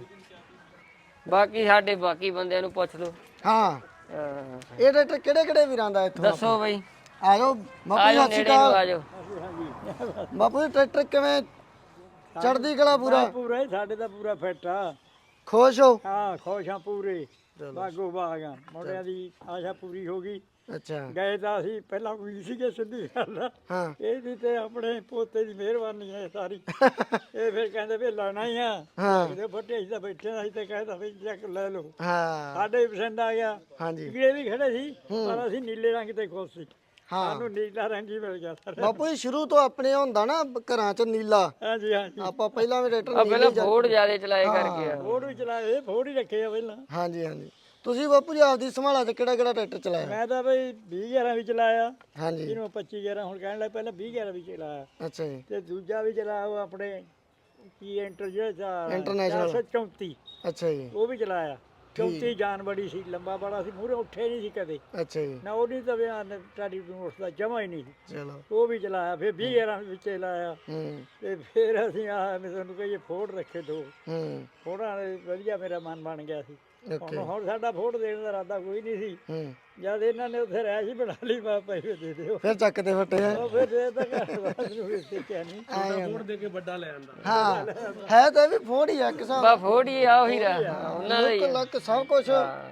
Speaker 2: ਬਾਕੀ ਸਾਡੇ ਬਾਕੀ ਬੰਦਿਆਂ ਨੂੰ ਪੁੱਛ ਲਓ।
Speaker 1: ਹਾਂ
Speaker 2: ਹਾਂ।
Speaker 1: ਇਹ ਟਰੈਕਟਰ ਕਿਹੜੇ ਕਿਹੜੇ ਵੀਰਾਂ ਦਾ ਇੱਥੋਂ?
Speaker 2: ਦੱਸੋ ਬਈ,
Speaker 1: ਆ ਜਾਓ ਬਾਪੂ ਜੀ,
Speaker 2: ਆਜੋ
Speaker 1: ਸਤਿ ਸ਼੍ਰੀ
Speaker 2: ਨੇੜੇ ਨੂੰ
Speaker 1: ਅਕਾਲ।
Speaker 2: ਆਜੋ।
Speaker 1: ਬਾਪੂ ਜੀ ਟਰੈਕਟਰ ਕਿਵੇਂ ਚੜਦੀ ਕਲਾ ਪੂਰਾ?
Speaker 3: ਪੂਰਾ ਹੀ ਸਾਡੇ ਦਾ ਪੂਰਾ ਫਿੱਟ ਆ।
Speaker 1: ਖੁਸ਼ ਹੋ?
Speaker 3: ਹਾਂ ਖੁਸ਼ ਆ ਪੂਰੇ, ਬਾਗੋ ਬਾਗ ਆ। ਮੁੰਡਿਆਂ ਦੀ ਆਸ਼ਾ ਪੂਰੀ ਹੋ ਗਈ।
Speaker 1: ਅੱਛਾ
Speaker 3: ਗਏ ਤਾਂ ਅਸੀਂ ਪਹਿਲਾਂ ਕੋਈ ਸੀਗੇ, ਸਿੱਧੀ ਗੱਲ ਆ।
Speaker 1: ਹਾਂ
Speaker 3: ਇਹ ਵੀ ਤੇ ਆਪਣੇ ਪੋਤੇ ਦੀ ਮਿਹਰਬਾਨੀ ਹੈ ਸਾਰੀ। ਇਹ ਫਿਰ ਕਹਿੰਦੇ ਵੀ ਲੈਣਾ ਹੀ ਆ।
Speaker 1: ਹਾਂ
Speaker 3: ਇਹਦੇ ਫੱਟੇ ਅਸੀਂ ਤਾਂ ਬੈਠੇ ਅਸੀਂ ਤੇ ਕਹਿੰਦਾ ਵੀ ਚੱਕ ਲੈ ਲਓ।
Speaker 1: ਹਾਂ
Speaker 3: ਸਾਡੇ ਵੀ ਪਸੰਦ ਆ ਗਿਆ।
Speaker 1: ਹਾਂਜੀ
Speaker 3: ਕੀੜੇ ਵੀ ਖੜੇ ਸੀ ਪਰ ਅਸੀਂ ਨੀਲੇ ਰੰਗ ਤੇ ਖੁਸ਼ ਸੀ।
Speaker 1: ਹਾਂ
Speaker 3: ਸਾਨੂੰ ਨੀਲਾ ਰੰਗ ਹੀ ਮਿਲ ਗਿਆ ਸਰ।
Speaker 1: ਬਾਪੂ ਜੀ ਸ਼ੁਰੂ ਤੋਂ ਆਪਣੇ ਹੁੰਦਾ ਨਾ ਘਰਾਂ 'ਚ ਨੀਲਾ,
Speaker 3: ਹਾਂਜੀ ਹਾਂਜੀ।
Speaker 1: ਆਪਾਂ ਪਹਿਲਾਂ ਵੀ
Speaker 2: ਆ
Speaker 1: ਟਰੈਕਟਰ
Speaker 2: ਪਹਿਲਾਂ ਫੋੜ ਜਿਆਦੇ ਚਲਾਏ ਕਰਕੇ ਆ।
Speaker 3: ਫੋੜ ਵੀ ਚਲਾਏ, ਫੋੜ ਹੀ ਰੱਖੇ ਆ ਪਹਿਲਾਂ।
Speaker 1: ਹਾਂਜੀ ਹਾਂਜੀ। ਤੁਸੀਂ ਬਾਪੂ ਜੀ ਆਪਦੀ ਸੰਭਾਲਾ ਤੇ ਕਿਹੜਾ ਕਿਹੜਾ ਟਰੈਕਟਰ ਚਲਾਇਆ?
Speaker 3: ਮੈਂ ਤਾਂ ਬਈ ਵੀਹ ਗਿਆਰਾਂ ਵੀ ਚਲਾਇਆ,
Speaker 1: ਹਾਂਜੀ
Speaker 3: ਜਿਹਨੂੰ ਪੱਚੀ ਗਿਆਰਾਂ ਹੁਣ ਕਹਿਣ ਲੱਗ, ਪਹਿਲਾਂ ਵੀਹ ਗਿਆਰਾਂ ਵੀ ਚਲਾਇਆ।
Speaker 1: ਅੱਛਾ ਜੀ।
Speaker 3: ਤੇ ਦੂਜਾ ਵੀ ਚਲਾਇਆ ਉਹ ਆਪਣੇ ਕੀ ਇੰਟਰ ਜਿਹੜਾ
Speaker 1: International।
Speaker 3: ਚਾਰ ਸੌ ਚੌਂਤੀ,
Speaker 1: ਅੱਛਾ ਜੀ
Speaker 3: ਉਹ ਵੀ ਚਲਾਇਆ। ਚੌਂਤੀ ਜਾਨ ਬੜੀ ਸੀ, ਲੰਬਾ ਬੜਾ ਸੀ, ਮੂਹਰੇ ਉੱਠੇ ਨਹੀਂ ਸੀ ਕਦੇ
Speaker 1: ਅੱਛਾ ਜੀ।
Speaker 3: ਨਾ। ਉਹਦੀ ਤਾਂ ਬਿਆਨ ਟਾੜੀ ਨੂੰ ਉਸਦਾ ਜਮਾ ਹੀ ਨਹੀਂ ਸੀ।
Speaker 1: ਚਲੋ
Speaker 3: ਉਹ ਵੀ ਚਲਾਇਆ। ਫਿਰ ਵੀਹ ਗਿਆਰਾਂ ਵਿੱਚ ਚਲਾਇਆ।
Speaker 1: ਹੂੰ
Speaker 3: ਤੇ ਫਿਰ ਅਸੀਂ ਆਹ ਮੈਂ ਤੁਹਾਨੂੰ ਕਹੀਏ ਫੋੜ ਰੱਖੇ ਦੋ।
Speaker 1: ਹੂੰ
Speaker 3: ਫੋੜਾਂ ਦੇ ਵਧੀਆ ਮੇਰਾ ਮਨ ਬਣ ਗਿਆ ਸੀ।
Speaker 1: ਓਕੇ
Speaker 3: ਹੁਣ ਹੁਣ ਸਾਡਾ ਫੋੜ ਦੇਣ ਦਾ ਇਰਾਦਾ ਕੋਈ ਨਹੀਂ ਸੀ।
Speaker 1: ਹੂੰ
Speaker 3: ਜਦ ਇਹਨਾਂ ਨੇ ਉੱਥੇ ਰਹਿ ਸੀ ਬਣਾ ਲਈ, ਮੈਂ ਪੈਸੇ ਦੇ ਦਿਓ।
Speaker 1: ਫਿਰ ਚੱਕਦੇ ਫੱਟੇ ਹੈ।
Speaker 3: ਉਹ ਫਿਰ ਦੇ ਤਾਂ ਘਰ ਬਾਅਦ ਨੂੰ ਵੀ ਸਿੱਖਿਆ ਨਹੀਂ।
Speaker 1: ਫੋੜ ਦੇ ਕੇ ਵੱਡਾ ਲੈ ਆਂਦਾ। ਹਾਂ ਹੈ ਤਾਂ ਇਹ ਵੀ ਫੋੜ ਹੀ ਆ ਇੱਕ ਹਿਸਾਬ
Speaker 2: ਬਾ ਫੋੜ ਹੀ ਆ, ਉਹੀ ਰਾ ਉਹਨਾਂ ਦਾ ਹੀ
Speaker 1: ਲੱਕ
Speaker 2: ਆ।
Speaker 1: ਲੱਕ ਸਭ ਕੁਝ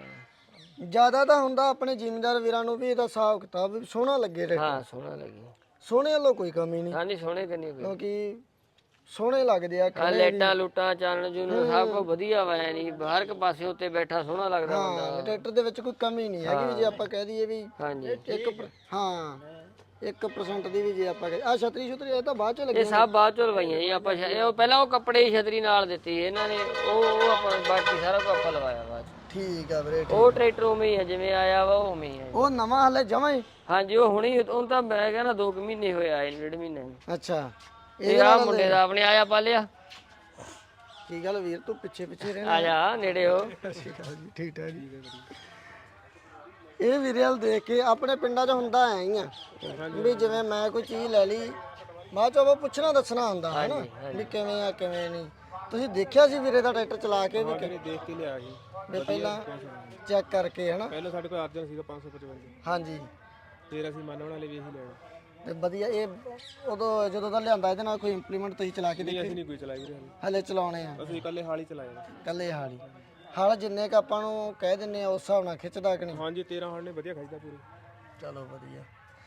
Speaker 1: ਜ਼ਿਆਦਾ ਤਾਂ ਹੁੰਦਾ ਆਪਣੇ ਜ਼ਿਮੀਂਦਾਰ ਵੀਰਾਂ ਨੂੰ ਵੀ ਇਹਦਾ ਹਿਸਾਬ ਕਿਤਾਬ ਵੀ ਸੋਹਣਾ ਲੱਗੇ ਟਰੈਕਟਰ।
Speaker 2: ਹਾਂ ਸੋਹਣਾ ਲੱਗੀ।
Speaker 1: ਸੋਹਣੇ ਵੱਲੋਂ ਕੋਈ ਕਮੀ ਨਹੀਂ,
Speaker 2: ਹਾਂ ਨਹੀਂ ਸੋਹਣੇ ਕੰਨੀ ਕੋਈ
Speaker 1: ਕਿਉਂਕਿ ਸੋਹਣੇ ਲੱਗਦੇ ਆ
Speaker 2: ਆ
Speaker 1: ਖੜੇ ਵੀ।
Speaker 2: ਲਾਈਟਾਂ ਲੂਟਾਂ ਚਾਨਣ ਜੂਨਣ ਸਭ ਕੁਝ ਵਧੀਆ ਵਾ ਐ ਨਹੀਂ ਹਰ ਇੱਕ ਪਾਸੇ ਉੱਤੇ ਬੈਠਾ ਸੋਹਣਾ ਲੱਗਦਾ
Speaker 1: ਹਾਂ
Speaker 2: ਬੰਦਾ।
Speaker 1: ਟਰੈਕਟਰ ਦੇ ਵਿੱਚ ਕੋਈ ਕਮੀ ਨਹੀਂ ਹੈਗੀ ਵੀ ਜੇ ਆਪਾਂ ਕਹਿ ਦਈਏ ਵੀ
Speaker 2: ਹਾਂਜੀ
Speaker 1: ਇੱਕ ਪਰ- ਹਾਂ ਇੱਕ ਪਰਸੈਂਟ ਦੀ ਵੀ ਜੇ ਆਪਾਂ ਆ ਛਤਰੀ ਛਤਰੀ ਇਹ ਤਾਂ ਬਾਅਦ ਚ ਲੱਗੀ
Speaker 2: ਇਹ ਸਭ ਬਾਅਦ ਚੋਂ ਲਵਾਈਆਂ ਜੀ ਆਪਾਂ ਛ- ਇਹ ਪਹਿਲਾਂ ਉਹ ਕੱਪੜੇ ਦੀ ਛਤਰੀ ਨਾਲ ਦਿੱਤੀ ਇਹਨਾਂ ਨੇ, ਉਹ ਉਹ ਆਪਾਂ ਬਾਕੀ ਸਾਰਾ ਕੁਝ ਆਪਾਂ ਲਵਾਇਆ ਬਾਅਦ ਚ।
Speaker 1: ਠੀਕ ਆ ਵੀਰੇ ਠੀਕ।
Speaker 2: ਉਹ ਟਰੈਕਟਰ ਉਵੇਂ ਹੀ ਆ ਜਿਵੇਂ ਆਇਆ ਵਾ ਉਹ ਉਵੇਂ ਹੀ ਆ ਜੀ।
Speaker 1: ਉਹ ਨਵਾਂ ਹਲੇ ਜਮਾਂ ਹੀ
Speaker 2: ਹਾਂਜੀ ਉਹ ਹੁਣੀ ਉਹ ਤਾਂ ਮੈਂ ਕਹਿੰਦਾ ਦੋ ਕੁ ਮਹੀਨੇ ਹੋਏ ਆਏ ਨੇ, ਡੇਢ ਮਹੀਨੇ
Speaker 1: ਅੱਛਾ
Speaker 2: ਇਹ ਆ ਮੁੰਡੇ ਦਾ ਆਪਣੇ ਆਇਆ ਪਾਲਿਆ।
Speaker 1: ਕੀ ਗੱਲ ਵੀਰ ਤੂੰ ਪਿੱਛੇ ਪਿੱਛੇ ਰਹਿਣਾ
Speaker 2: ਆ ਜਾ ਨੇੜੇ ਹੋ।
Speaker 1: ਠੀਕ ਠਾਕ ਜੀ। ਇਹ ਵੀਰੇ ਵਾਲ ਦੇਖ ਕੇ ਆਪਣੇ ਪਿੰਡਾਂ 'ਚ ਹੁੰਦਾ ਐ ਹੀ ਆ ਵੀ ਜਿਵੇਂ ਮੈਂ ਕੋਈ ਚੀਜ਼ ਲੈ ਲਈ ਬਾਅਦ 'ਚ ਉਹ ਪੁੱਛਣਾ ਦੱਸਣਾ ਹੁੰਦਾ ਹੈ ਨਾ ਵੀ ਕਿਵੇਂ ਆ ਕਿਵੇਂ ਨਹੀਂ। ਤੁਸੀਂ ਦੇਖਿਆ ਸੀ ਵੀਰੇ ਦਾ ਟਰੈਕਟਰ ਚਲਾ ਕੇ ਵੀ ਕਿ-
Speaker 4: ਦੇਖ ਕੇ ਲਿਆ ਜੀ
Speaker 1: ਵੀ ਪਹਿਲਾਂ ਚੈੱਕ ਕਰਕੇ ਹਨਾ।
Speaker 4: ਪਹਿਲਾਂ ਸਾਡੇ ਕੋਲ ਅਰਜਨ ਸੀਗਾ ਪੰਜ ਸੌ ਪਚਵੰਜਾ,
Speaker 1: ਹਾਂਜੀ
Speaker 4: ਫਿਰ ਅਸੀਂ ਮੰਨਣ ਵਾਲੇ ਵੀ ਇਹੀ ਲੈਣਾ।
Speaker 1: ਤੇ ਵਧੀਆ ਇਹ ਉਦੋਂ ਜਦੋਂ ਦਾ ਲਿਆਂਦਾ ਇਹਦੇ ਨਾਲ ਕੋਈ ਇੰਪਲੀਮੈਂਟ ਤੁਸੀਂ ਚਲਾ ਕੇ ਦੇਖੇ?
Speaker 4: ਅਸੀਂ ਨਹੀਂ ਕੋਈ ਚਲਾਈ ਵੀਰੇ ਹਾਲੇ।
Speaker 1: ਹਲੇ ਚਲਾਉਣੇ ਆ
Speaker 4: ਅਸੀਂ ਇਕੱਲੇ ਹਾਲ ਹੀ ਚਲਾਇਆ।
Speaker 1: ਕੱਲੇ ਹਾਲੀ ਹਾਲ ਜਿੰਨੇ ਕ ਆਪਾਂ ਨੂੰ ਕਹਿ ਦਿੰਨੇ ਆ ਉਸ ਹਿਸਾਬ ਨਾਲ ਖਿੱਚਦਾ ਕਿ ਨਹੀਂ?
Speaker 4: ਹਾਂਜੀ ਤੇਰਾਂ ਹਾਲ ਨੇ ਵਧੀਆ ਖਾਈਦਾ ਪੂਰੀ।
Speaker 1: ਚਲੋ ਵਧੀਆ।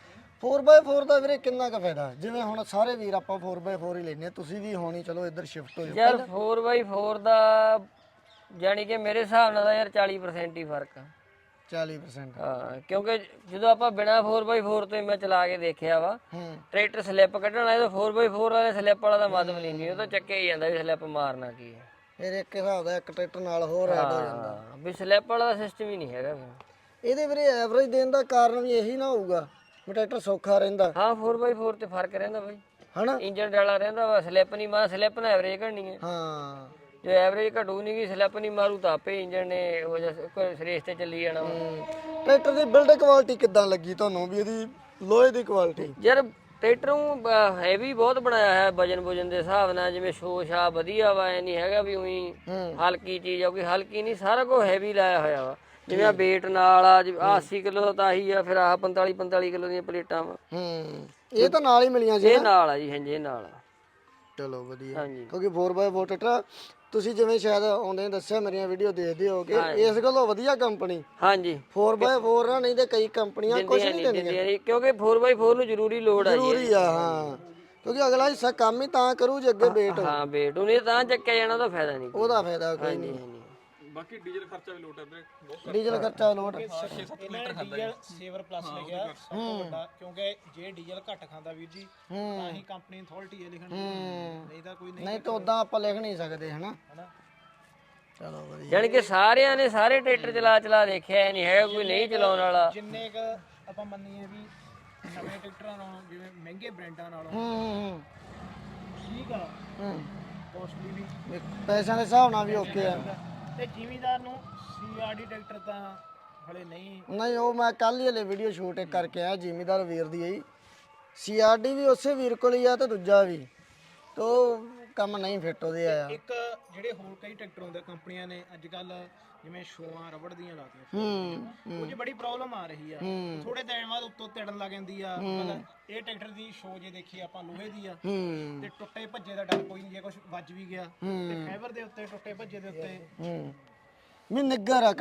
Speaker 1: ਫੋਰ ਬਾਏ ਫੋਰ ਦਾ ਵੀਰੇ ਕਿੰਨਾ ਕੁ ਫਾਇਦਾ? ਜਿਵੇਂ ਹੁਣ ਸਾਰੇ ਵੀਰ ਆਪਾਂ ਫੋਰ ਬਾਏ ਫੋਰ ਹੀ ਲੈਨੇ ਆ, ਤੁਸੀਂ ਵੀ ਹੋਣੀ ਚਲੋ ਇੱਧਰ ਸ਼ਿਫਟ ਹੋ ਜਾਓ।
Speaker 2: ਯਾਰ ਫੋਰ ਬਾਈ ਫੋਰ ਦਾ ਜਾਨੀ ਕਿ ਮੇਰੇ ਹਿਸਾਬ ਨਾਲ ਤਾਂ ਯਾਰ ਚਾਲੀ ਪਰਸੈਂਟ ਹੀ ਫਰਕ ਆ।
Speaker 1: ਚਾਲੀ ਪਰਸੈਂਟ
Speaker 2: ਹਾਂ ਕਿਉਂਕਿ ਜਦੋਂ ਆਪਾਂ ਬਿਨਾ ਫੋਰ ਬਾਈ ਫੋਰ ਤੋਂ ਹੀ ਮੈਂ ਚਲਾ ਕੇ ਦੇਖਿਆ ਵਾ,
Speaker 1: ਹੂੰ
Speaker 2: ਟਰੈਕਟਰ ਸਲਿੱਪ ਕੱਢਣ ਆਏ ਤਾਂ ਫੋਰ ਬਾਈ ਫੋਰ ਵਾਲੇ ਸਲਿੱਪ ਵਾਲਾ ਤਾਂ ਮਤਲਬ ਨਹੀਂ, ਉਹ ਤਾਂ ਚੱਕੇ ਹੀ ਜਾਂਦਾ ਵੀ ਸਲਿੱਪ ਮਾਰਨਾ ਕੀ ਹੈ।
Speaker 1: ਫਿਰ ਇੱਕ ਹਿਸਾਬ ਦਾ ਇੱਕ ਟਰੈਕਟਰ ਨਾਲ ਹੋਰ ਐਡ ਹੋ ਜਾਂਦਾ।
Speaker 2: ਹਾਂ ਵੀ ਸਲਿੱਪ ਵਾਲਾ ਦਾ ਸਿਸਟਮ ਹੀ ਨਹੀਂ ਹੈਗਾ ਫਿਰ।
Speaker 1: ਇਹਦੇ ਵੀਰੇ ਐਵਰੇਜ ਦੇਣ ਦਾ ਕਾਰਨ ਵੀ ਇਹੀ ਨਾ ਹੋਊਗਾ ਵੀ ਟਰੈਕਟਰ ਸੌਖਾ ਰਹਿੰਦਾ
Speaker 2: ਹਾਂ ਫੋਰ ਬਾਈ ਫੋਰ ਤੇ ਫਰਕ ਰਹਿੰਦਾ ਬਾਈ,
Speaker 1: ਹਨਾ?
Speaker 2: ਇੰਜਨ ਡਾਲਾ ਰਹਿੰਦਾ ਵਾ, ਸਲਿੱਪ ਨਹੀਂ ਮਾਰ, ਸਲਿੱਪ ਨਾਲ ਐਵਰੇਜ ਘਟਣੀ ਹੈ।
Speaker 1: ਹਾਂ
Speaker 2: ਜੋ ਐਵਰੇਜ ਘਟੂ ਨਹੀਂ ਗਈ ਸਲਿੱਪ ਨਹੀਂ ਮਾਰੂ ਤਾਂ ਆਪੇ ਇੰਜਨ ਨੇ ਉਹ ਜਿਹਾ ਕੋਈ ਰੇਸ ਤੇ ਚੱਲੀ ਜਾਣਾ ਵਾ।
Speaker 1: ਟਰੈਕਟਰ ਦੀ ਬਿਲਡ ਕੁਆਲਿਟੀ ਕਿੱਦਾਂ ਲੱਗੀ ਤੁਹਾਨੂੰ ਵੀ ਇਹਦੀ ਲੋਹੇ ਦੀ ਕੁਆਲਿਟੀ?
Speaker 2: ਯਾਰ ਟਰੈਕਟਰ ਨੂੰ ਹੈਵੀ ਬਹੁਤ ਬਣਾਇਆ ਹੈ ਵਜਨ ਵਜਨ ਦੇ ਹਿਸਾਬ ਨਾਲ, ਜਿਵੇਂ ਸ਼ੋਸ਼ਾ ਵਧੀਆ ਵਾ, ਐ ਨਹੀਂ ਹੈਗਾ ਵੀ ਉਹੀ ਹਲਕੀ ਚੀਜ਼ ਆ, ਕੋਈ ਹਲਕੀ ਨਹੀਂ, ਸਾਰਾ ਕੁਝ ਹੈਵੀ ਲਾਇਆ ਹੋਇਆ ਵਾ। ਜਿਵੇਂ ਆ weight ਨਾਲ ਆ ਆ ਅੱਸੀ ਕਿਲੋ ਦਾ ਤਾਂ ਆਹੀ ਆ, ਫਿਰ ਆਹ ਪੰਤਾਲੀ ਪੰਤਾਲੀ ਕਿਲੋ ਦੀਆਂ ਪਲੇਟਾਂ ਵਾ,
Speaker 1: ਹੂੰ ਇਹ ਤਾਂ ਨਾਲ ਹੀ ਮਿਲੀਆਂ ਸੀ
Speaker 2: ਇਹ ਨਾਲ ਆ ਜੀ। ਹਾਂਜੀ ਇਹ ਨਾਲ ਆ।
Speaker 1: ਚਲੋ ਵਧੀਆ।
Speaker 2: ਹਾਂਜੀ
Speaker 1: ਕਿਉਂਕਿ ਫੋਰ ਬਾਏ ਫੋਰ ਟਰੈਕਟਰ ਤੁਸੀਂ ਜਿਵੇਂ ਸ਼ਾਇਦ ਆਉਂਦੇ ਦੱਸਿਆ ਮੇਰੀਆਂ ਵੀਡੀਓ ਦੇਖਦੇ ਹੋਗੇ, ਇਸ ਗੱਲੋਂ ਵਧੀਆ ਕੰਪਨੀ
Speaker 2: ਹਾਂਜੀ
Speaker 1: ਫੋਰ ਬਾਏ ਫੋਰ ਆ, ਨਹੀਂ ਤੇ ਕਈ ਕੰਪਨੀਆਂ ਕੁਝ
Speaker 2: ਦਿੰਦੀਆਂ
Speaker 1: ਨਹੀਂ
Speaker 2: ਨਹੀਂ
Speaker 1: ਦਿੰਦੀਆਂ।
Speaker 2: ਦਿੰਦੀਆਂ ਨਹੀਂ, ਕਿਉਂਕਿ ਫੋਰ ਬਾਈ ਫੋਰ ਨੂੰ ਜ਼ਰੂਰੀ ਲੋਡ ਆ ਜੀ।
Speaker 1: ਜ਼ਰੂਰੀ ਆ ਹਾਂ, ਕਿਉਂਕਿ ਅਗਲਾ ਹਿੱਸਾ ਕੰਮ ਹੀ ਤਾਂ ਕਰੂ ਜੇ ਅੱਗੇ ਵੇਟ
Speaker 2: ਹਾਂ weight ਉਹਨੇ ਤਾਂ ਚੱਕਿਆ ਜਾਣਾ, ਉਹਦਾ ਫਾਇਦਾ ਨਹੀਂ।
Speaker 1: ਉਹਦਾ ਫਾਇਦਾ ਕੋਈ ਨਹੀਂ।
Speaker 4: ਬਾਕੀ ਡੀਜ਼ਲ ਖਰਚਾ ਵੀ ਲੋਟ ਹੈ ਵੀਰੇ।
Speaker 1: ਡੀਜ਼ਲ ਖਰਚਾ ਲੋਟ
Speaker 5: ਡੀਜ਼ਲ ਸੇਵਰ ਪਲੱਸ ਲਿਖਿਆ ਸਭ ਤੋਂ ਵੱਡਾ, ਕਿਉਂਕਿ ਜੇ ਡੀਜ਼ਲ ਘੱਟ ਖਾਂਦਾ ਵੀਰ ਜੀ ਤਾਂ ਹੀ ਕੰਪਨੀ ਅਥਾਰਟੀ ਹੈ ਲਿਖਣ ਦੀ, ਨਹੀਂ ਤਾਂ ਕੋਈ ਨਹੀਂ।
Speaker 1: ਨਹੀਂ ਤਾਂ ਉਦਾਂ ਆਪਾਂ ਲਿਖ ਨਹੀਂ ਸਕਦੇ ਹਨਾ। ਚਲੋ ਵਧੀਆ।
Speaker 2: ਯਾਨੀ ਕਿ ਸਾਰਿਆਂ ਨੇ ਸਾਰੇ ਟਰੈਕਟਰ ਚਲਾ ਚਲਾ ਦੇਖਿਆ, ਨਹੀਂ ਹੈਗਾ ਕੋਈ ਨਹੀਂ ਚਲਾਉਣ ਵਾਲਾ।
Speaker 5: ਜਿੰਨੇ ਕ ਆਪਾਂ ਮੰਨੀਏ ਵੀ ਨਵੇਂ ਟਰੈਕਟਰਾਂ ਨਾਲੋਂ ਜਿਵੇਂ ਮਹਿੰਗੇ ਬ੍ਰਾਂਡਾਂ ਨਾਲੋਂ
Speaker 1: ਹੂੰ ਹੂੰ
Speaker 5: ਠੀਕ ਆ,
Speaker 1: ਹੂੰ
Speaker 5: ਕੋਸਟਲੀ ਵੀ,
Speaker 1: ਵੀ ਪੈਸਿਆਂ ਦੇ ਹਿਸਾਬ ਨਾਲ ਵੀ ਓਕੇ ਆ।
Speaker 5: ਤੇ ਜ਼ਿਮੀਦਾਰ ਨੂੰ ਸੀਆਰਡੀ ਟਰੈਕਟਰ ਤਾਂ ਹਲੇ ਨਹੀਂ।
Speaker 1: ਨਹੀਂ ਉਹ ਮੈਂ ਕੱਲ ਹੀ ਹਲੇ ਵੀਡੀਓ ਸ਼ੂਟ ਕਰਕੇ ਆਇਆ ਜ਼ਿਮੀਦਾਰ ਵੀਰ ਦੀ ਆਈ, ਸੀਆਰਡੀ ਵੀ ਉਸੇ ਵੀਰ ਕੋਲ ਹੀ ਆ ਤੇ ਦੂਜਾ ਵੀ, ਤੋ ਕੰਮ ਨਹੀਂ ਫਿੱਟ ਉਹਦੇ ਆਇਆ।
Speaker 5: ਇੱਕ ਜਿਹੜੇ ਹੋਰ ਕਈ ਟਰੈਕਟਰ ਹੁੰਦੇ ਕੰਪਨੀਆਂ ਨੇ ਅੱਜ ਕੱਲ ਜਿਵੇਂ ਸ਼ੋਆਂ ਰਬੜ ਦੀਆਂ ਲਾਤੀਆਂ,
Speaker 1: ਹੂੰ
Speaker 5: ਉਹ 'ਚ ਬੜੀ ਪ੍ਰੋਬਲਮ ਆ ਰਹੀ ਆ। ਥੋੜੇ ਦਿਨ ਬਾਅਦ ਉੱਤੋਂ ਤਿੜਨ ਲੱਗ ਜਾਂਦੀ ਆ। ਮਤਲਬ ਇਹ ਟਰੈਕਟਰ ਦੀ ਸ਼ੋ ਜੇ ਦੇਖੀ ਆਪਾਂ ਲੋਹੇ ਦੀ ਆ,
Speaker 1: ਹੂੰ
Speaker 5: ਤੇ ਟੁੱਟੇ ਭੱਜੇ ਦਾ ਡਰ ਕੋਈ ਨਹੀਂ, ਜੇ ਕੁਝ ਵੱਜ ਵੀ ਗਿਆ ਤੇ ਫਾਈਬਰ ਦੇ ਉੱਤੇ ਟੁੱਟੇ ਭੱਜੇ ਦੇ ਉੱਤੇ
Speaker 1: ਹੂੰ ਵੀ ਨਿੱਗਰ ਆ